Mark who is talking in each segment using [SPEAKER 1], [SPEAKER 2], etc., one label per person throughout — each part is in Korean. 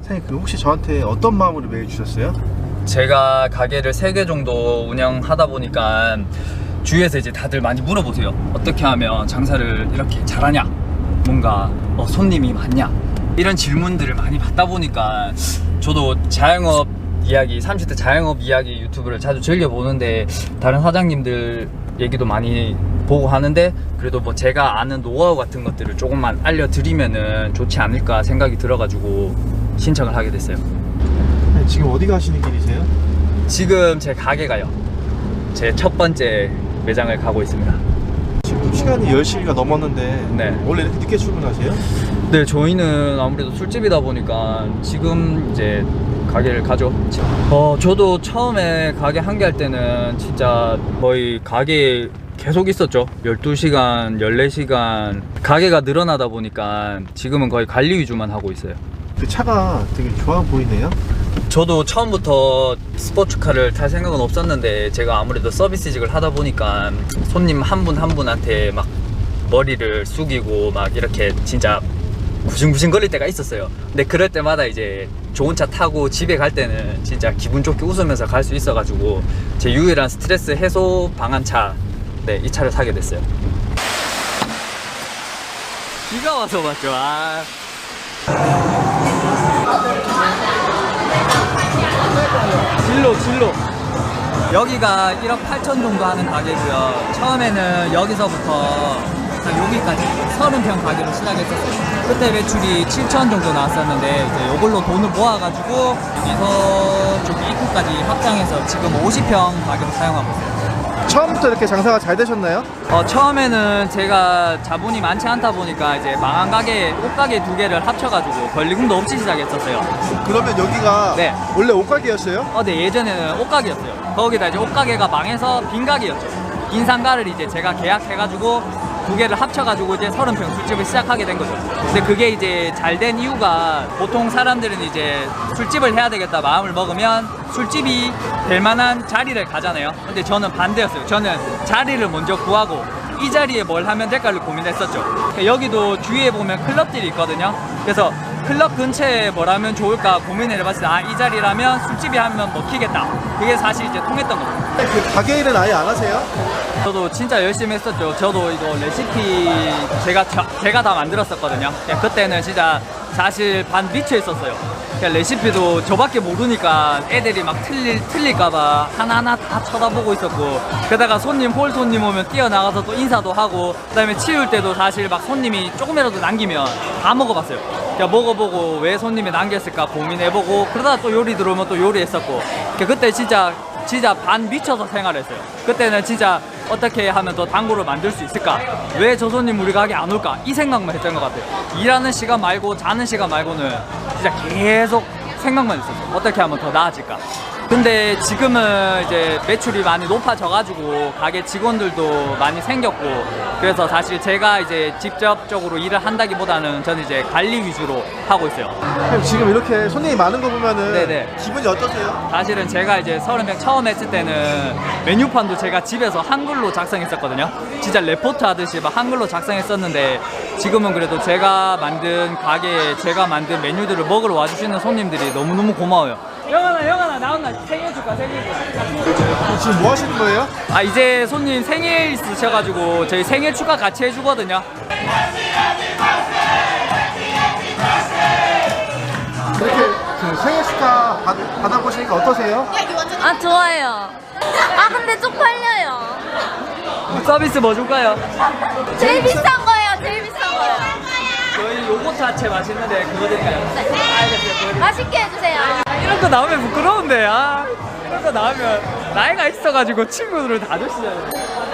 [SPEAKER 1] 사장님 그 혹시 저한테 어떤 마음으로 메일 주셨어요?
[SPEAKER 2] 제가 가게를 3개 정도 운영하다 보니까 주위에서 이제 다들 많이 물어보세요. 어떻게 하면 장사를 이렇게 잘하냐, 뭔가 손님이 많냐, 이런 질문들을 많이 받다 보니까 저도 자영업 이야기, 30대 자영업 이야기 유튜브를 자주 즐겨보는데 다른 사장님들 얘기도 많이 보고 하는데 그래도 뭐 제가 아는 노하우 같은 것들을 조금만 알려드리면은 좋지 않을까 생각이 들어가지고 신청을 하게 됐어요.
[SPEAKER 1] 네, 지금 어디 가시는 길이세요?
[SPEAKER 2] 지금 제 가게 가요. 제 첫 번째 매장을 가고 있습니다.
[SPEAKER 1] 지금 시간이 10시가 넘었는데
[SPEAKER 2] 네.
[SPEAKER 1] 원래 이렇게 늦게 출근하세요?
[SPEAKER 2] 네, 저희는 아무래도 술집이다 보니까 지금 이제 가게를 가죠. 저도 처음에 가게 한 개 할 때는 진짜 거의 가게에 계속 있었죠. 12시간, 14시간. 가게가 늘어나다 보니까 지금은 거의 관리 위주만 하고 있어요.
[SPEAKER 1] 그 차가 되게 좋아 보이네요.
[SPEAKER 2] 저도 처음부터 스포츠카를 탈 생각은 없었는데 제가 아무래도 서비스직을 하다 보니까 손님 한 분 한 분한테 막 머리를 숙이고 막 이렇게 진짜 구신구신 거릴 때가 있었어요. 근데 그럴 때마다 이제 좋은 차 타고 집에 갈 때는 진짜 기분 좋게 웃으면서 갈 수 있어가지고 제 유일한 스트레스 해소 방안차, 네, 이 차를 사게 됐어요. 비가 와서 맞죠. 진로 여기가 1억 8천 정도 하는 가게고요. 처음에는 여기서부터 여기까지 30평 가게로 시작했었어요. 그때 매출이 7천 정도 나왔었는데 이제 이걸로 돈을 모아가지고 여기서 저기 입구까지 확장해서 지금 50평 가게로 사용하고 있어요.
[SPEAKER 1] 처음부터 이렇게 장사가 잘 되셨나요?
[SPEAKER 2] 처음에는 제가 자본이 많지 않다 보니까 이제 망한 가게, 옷가게 2개를 합쳐가지고 권리금도 없이 시작했었어요.
[SPEAKER 1] 그러면 여기가
[SPEAKER 2] 네.
[SPEAKER 1] 원래 옷가게였어요?
[SPEAKER 2] 네, 예전에는 옷가게였어요. 거기다 이제 옷가게가 망해서 빈 가게였죠. 빈 상가를 이제 제가 계약해가지고 2개를 합쳐가지고 이제 30평 술집을 시작하게 된 거죠. 근데 그게 이제 잘 된 이유가 보통 사람들은 이제 술집을 해야 되겠다 마음을 먹으면 술집이 될 만한 자리를 가잖아요. 근데 저는 반대였어요. 저는 자리를 먼저 구하고 이 자리에 뭘 하면 될까를 고민했었죠. 여기도 주위에 보면 클럽들이 있거든요. 그래서 클럽 근처에 뭘 하면 좋을까 고민을 해봤을 때 이 자리라면 술집이 하면 먹히겠다. 그게 사실 이제 통했던 거죠.
[SPEAKER 1] 그 가게 일은 아예 안 하세요?
[SPEAKER 2] 저도 진짜 열심히 했었죠. 저도 이거 레시피 제가 다 만들었었거든요. 그때는 진짜 사실 반 미쳐 있었어요. 레시피도 저밖에 모르니까 애들이 막 틀릴까봐 하나하나 다 쳐다보고 있었고, 게다가 홀 손님 오면 뛰어나가서 또 인사도 하고, 그 다음에 치울 때도 사실 막 손님이 조금이라도 남기면 다 먹어봤어요. 먹어보고 왜 손님이 남겼을까 고민해보고, 그러다가 또 요리 들어오면 또 요리했었고, 그때 진짜 반 미쳐서 생활했어요. 그때는 진짜 어떻게 하면 더 단골을 만들 수 있을까? 왜 저 손님 우리 가게 안 올까? 이 생각만 했던 것 같아요. 일하는 시간 말고 자는 시간 말고는 진짜 계속 생각만 했었어요. 어떻게 하면 더 나아질까? 근데 지금은 이제 매출이 많이 높아져가지고 가게 직원들도 많이 생겼고, 그래서 사실 제가 이제 직접적으로 일을 한다기보다는 저는 이제 관리 위주로 하고 있어요.
[SPEAKER 1] 지금 이렇게 손님이 많은 거 보면은
[SPEAKER 2] 네네.
[SPEAKER 1] 기분이 어떠세요?
[SPEAKER 2] 사실은 제가 이제 30평 처음 했을 때는 메뉴판도 제가 집에서 한글로 작성했었거든요. 진짜 레포트 하듯이 막 한글로 작성했었는데 지금은 그래도 제가 만든 가게에 제가 만든 메뉴들을 먹으러 와주시는 손님들이 너무너무 고마워요. 영환아 나온나 생일 축하.
[SPEAKER 1] 지금 뭐 하시는 거예요?
[SPEAKER 2] 이제 손님 생일 있으셔가지고 저희 생일 축하 같이 해주거든요.
[SPEAKER 1] 이렇게 그 생일 축하 받아보시니까 어떠세요?
[SPEAKER 3] 좋아요. 근데 쪽팔려요.
[SPEAKER 2] 서비스 뭐 줄까요?
[SPEAKER 3] 제일 비싼 거예요. 제일 비싼 거예요.
[SPEAKER 2] 저희 요거트 하체 맛있는데 그거 드릴까요? 알겠어요.
[SPEAKER 3] 맛있게 해주세요.
[SPEAKER 2] 이런 거 나오면 부끄러운데. 이런 거 나오면 나이가 있어가지고 친구들을 다 주시잖아요.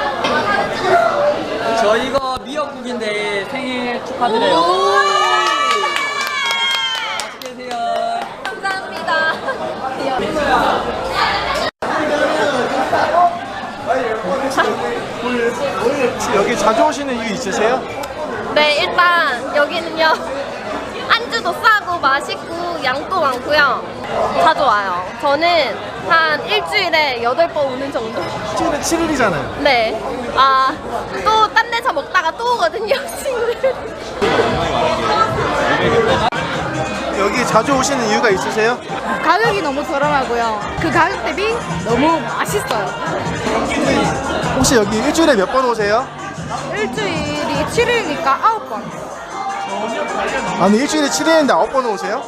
[SPEAKER 2] 저 이거 미역국인데 생일 축하드려요. 맛있게 드세요.
[SPEAKER 3] 감사합니다.
[SPEAKER 1] 혹시 여기 자주 오시는 이유 있으세요?
[SPEAKER 3] 네, 일단 여기는요. 안주도 싸고 맛있고 양도 많고요. 자주 와요. 저는 한 일주일에 8번 오는 정도.
[SPEAKER 1] 일주일에 7일이잖아요.
[SPEAKER 3] 네. 또 딴 데서 먹다가 또 오거든요, 친구들.
[SPEAKER 1] 여기 자주 오시는 이유가 있으세요?
[SPEAKER 4] 가격이 너무 저렴하고요. 그 가격 대비 너무 맛있어요.
[SPEAKER 1] 혹시 여기 일주일에 몇 번 오세요?
[SPEAKER 4] 일주일이 7일이니까 9번.
[SPEAKER 1] 아니 일주일에 7일인데 9번 오세요?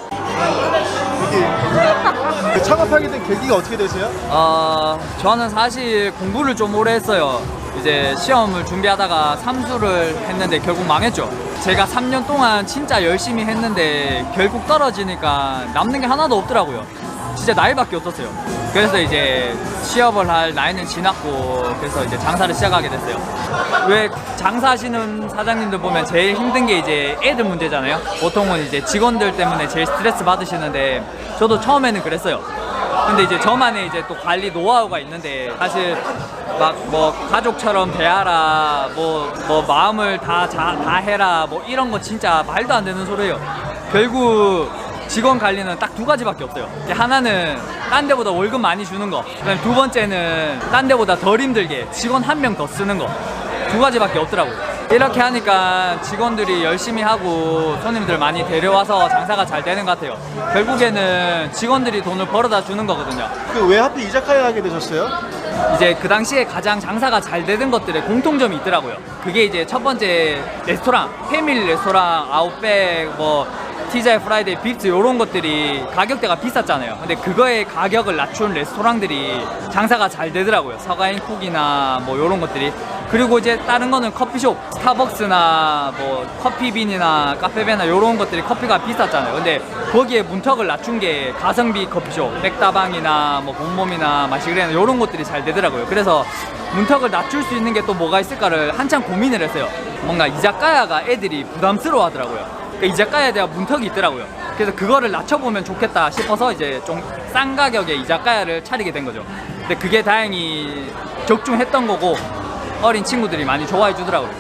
[SPEAKER 1] 여기 창업하게 된 계기가 어떻게 되세요?
[SPEAKER 2] 저는 사실 공부를 좀 오래 했어요. 이제 시험을 준비하다가 삼수를 했는데 결국 망했죠. 제가 3년 동안 진짜 열심히 했는데 결국 떨어지니까 남는 게 하나도 없더라고요. 진짜 나이밖에 없었어요. 그래서 이제 취업을 할 나이는 지났고 그래서 이제 장사를 시작하게 됐어요. 왜 장사하시는 사장님들 보면 제일 힘든 게 이제 애들 문제잖아요. 보통은 이제 직원들 때문에 제일 스트레스 받으시는데 저도 처음에는 그랬어요. 근데 이제 저만의 이제 또 관리 노하우가 있는데 사실 막 뭐 가족처럼 대하라 뭐 마음을 다 해라 뭐 이런 거 진짜 말도 안 되는 소리예요. 결국 직원 관리는 딱 두 가지밖에 없어요. 하나는 딴 데보다 월급 많이 주는 거, 그다음에 두 번째는 딴 데보다 덜 힘들게 직원 한 명 더 쓰는 거. 두 가지밖에 없더라고요. 이렇게 하니까 직원들이 열심히 하고 손님들 많이 데려와서 장사가 잘 되는 것 같아요. 결국에는 직원들이 돈을 벌어다 주는 거거든요.
[SPEAKER 1] 그 왜 하필 이자카야 하게 되셨어요?
[SPEAKER 2] 이제 그 당시에 가장 장사가 잘 되는 것들의 공통점이 있더라고요. 그게 이제 첫 번째 레스토랑, 패밀리 레스토랑, 아웃백, 뭐 TGI 프라이데이, 빕스 이런 것들이 가격대가 비쌌잖아요. 근데 그거의 가격을 낮춘 레스토랑들이 장사가 잘 되더라고요. 서가인 쿡이나 뭐 이런 것들이. 그리고 이제 다른 거는 커피숍, 스타벅스나 뭐 커피빈이나 카페베나 이런 것들이 커피가 비쌌잖아요. 근데 거기에 문턱을 낮춘 게 가성비 커피숍, 백다방이나 뭐 봄봄이나 마시그레나 이런 것들이 잘 되더라고요. 그래서 문턱을 낮출 수 있는 게 또 뭐가 있을까를 한참 고민을 했어요. 뭔가 이자카야가 애들이 부담스러워 하더라고요. 그러니까 이자카야에 대한 문턱이 있더라고요. 그래서 그거를 낮춰보면 좋겠다 싶어서 이제 좀 싼 가격의 이자카야를 차리게 된 거죠. 근데 그게 다행히 적중했던 거고 어린 친구들이 많이 좋아해 주더라고요.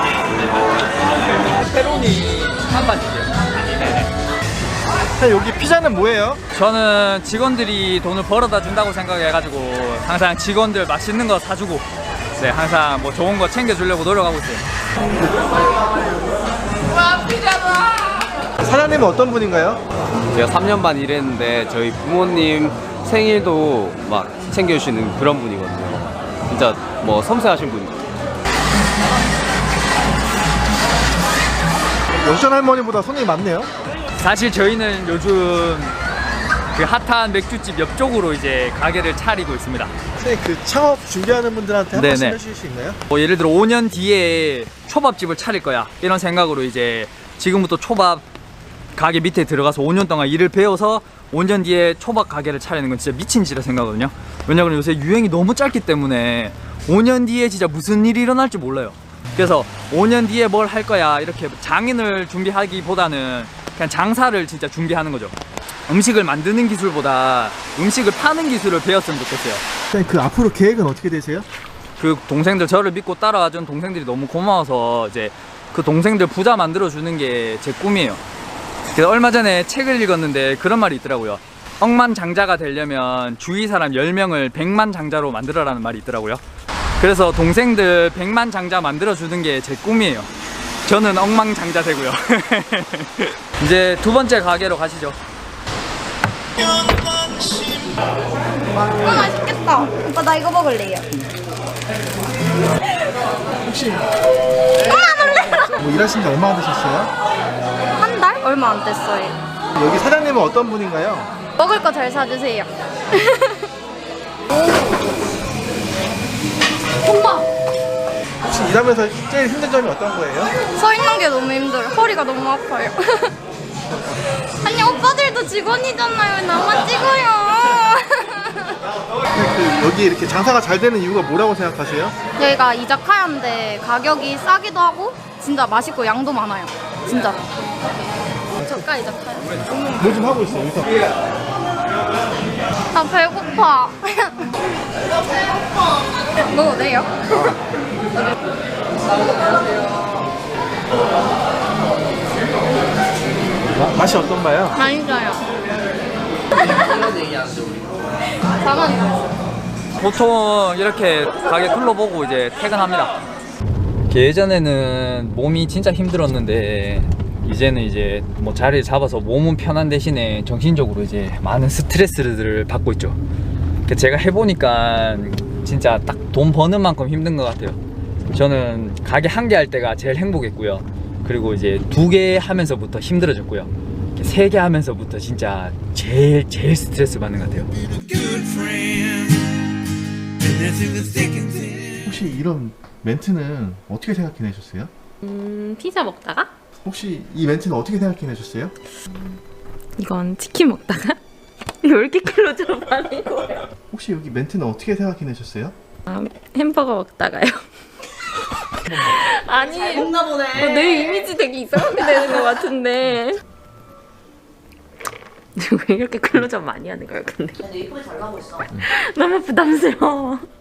[SPEAKER 2] 페로니 한 반씩이요.
[SPEAKER 1] 여기 피자는 뭐예요?
[SPEAKER 2] 저는 직원들이 돈을 벌어다 준다고 생각해가지고 항상 직원들 맛있는 거 사주고 네, 항상 뭐 좋은 거 챙겨주려고 노력하고 있어요.
[SPEAKER 1] 사장님은 어떤 분인가요?
[SPEAKER 5] 제가 3년 반 일했는데 저희 부모님 생일도 막 챙겨주시는 그런 분이거든요. 진짜 뭐 섬세하신 분이에요.
[SPEAKER 1] 영전 할머니보다 손님이 많네요.
[SPEAKER 2] 사실 저희는 요즘 그 핫한 맥주집 옆쪽으로 이제 가게를 차리고 있습니다.
[SPEAKER 1] 선생님 그 창업 준비하는 분들한테 한
[SPEAKER 2] 네네.
[SPEAKER 1] 말씀 해주실 수 있나요?
[SPEAKER 2] 뭐 예를 들어 5년 뒤에 초밥집을 차릴 거야 이런 생각으로 이제 지금부터 초밥 가게 밑에 들어가서 5년 동안 일을 배워서 5년 뒤에 초밥 가게를 차리는 건 진짜 미친 짓이라 생각하거든요. 왜냐면 요새 유행이 너무 짧기 때문에 5년 뒤에 진짜 무슨 일이 일어날지 몰라요. 그래서 5년 뒤에 뭘 할 거야 이렇게 장인을 준비하기보다는 그냥 장사를 진짜 준비하는 거죠. 음식을 만드는 기술보다 음식을 파는 기술을 배웠으면 좋겠어요.
[SPEAKER 1] 선생님 그 앞으로 계획은 어떻게 되세요?
[SPEAKER 2] 그 동생들 저를 믿고 따라와준 동생들이 너무 고마워서 이제 그 동생들 부자 만들어 주는 게 제 꿈이에요. 그래서 얼마 전에 책을 읽었는데 그런 말이 있더라고요. 억만장자가 되려면 주위 사람 10명을 백만장자로 만들어라는 말이 있더라고요. 그래서 동생들 백만장자 만들어 주는 게 제 꿈이에요. 저는 억만장자 되고요. 이제 두 번째 가게로 가시죠.
[SPEAKER 4] 맛있겠다. 오빠 나 이거 먹을래요.
[SPEAKER 1] 혹시 뭐 일하신 지 얼마나 되셨어요?
[SPEAKER 4] 한 달? 얼마 안 됐어요.
[SPEAKER 1] 여기 사장님은 어떤 분인가요?
[SPEAKER 4] 먹을 거 잘 사주세요. 엄마!
[SPEAKER 1] 혹시 일하면서 제일 힘든 점이 어떤 거예요?
[SPEAKER 4] 서 있는 게 너무 힘들어요. 허리가 너무 아파요. 아니 오빠들도 직원이잖아요. 왜 나만 찍어요?
[SPEAKER 1] 그 여기 이렇게 장사가 잘 되는 이유가 뭐라고 생각하세요?
[SPEAKER 4] 여기가 이자카야인데 가격이 싸기도 하고 진짜 맛있고 양도 많아요. 진짜. 저가 이자카야.
[SPEAKER 1] 뭐 좀 하고 있어요. 여기서
[SPEAKER 4] 나 배고파. 먹어도 돼요?
[SPEAKER 1] 맛이 어떤가요?
[SPEAKER 4] 맛있어요. 가만히 있어.
[SPEAKER 2] 보통 이렇게 가게 둘러보고 이제 퇴근합니다. 예전에는 몸이 진짜 힘들었는데 이제는 이제 뭐 자리를 잡아서 몸은 편한 대신에 정신적으로 이제 많은 스트레스를 받고 있죠. 제가 해보니까 진짜 딱 돈 버는 만큼 힘든 것 같아요. 저는 가게 한 개 할 때가 제일 행복했고요. 그리고 이제 2개 하면서부터 힘들어졌고요. 3개 하면서부터 진짜 제일 스트레스 받는 것 같아요.
[SPEAKER 1] 혹시 이런 멘트는 어떻게 생각해내셨어요?
[SPEAKER 6] 피자 먹다가?
[SPEAKER 1] 혹시 이 멘트는 어떻게 생각해내셨어요?
[SPEAKER 6] 이건 치킨 먹다가? 이거 왜 이렇게 클로즈업 하는 거예요?
[SPEAKER 1] 혹시 여기 멘트는 어떻게 생각해내셨어요?
[SPEAKER 6] 아, 햄버거 먹다가요. 아니, 잘 먹나 보네. 내 이미지 되게 이상하게 되는 것 같은데. 왜 이렇게 클로즈업 많이 하는 거야, 근데? 근데 이쁘게 잘 나오고 있어. 너무 부담스러워.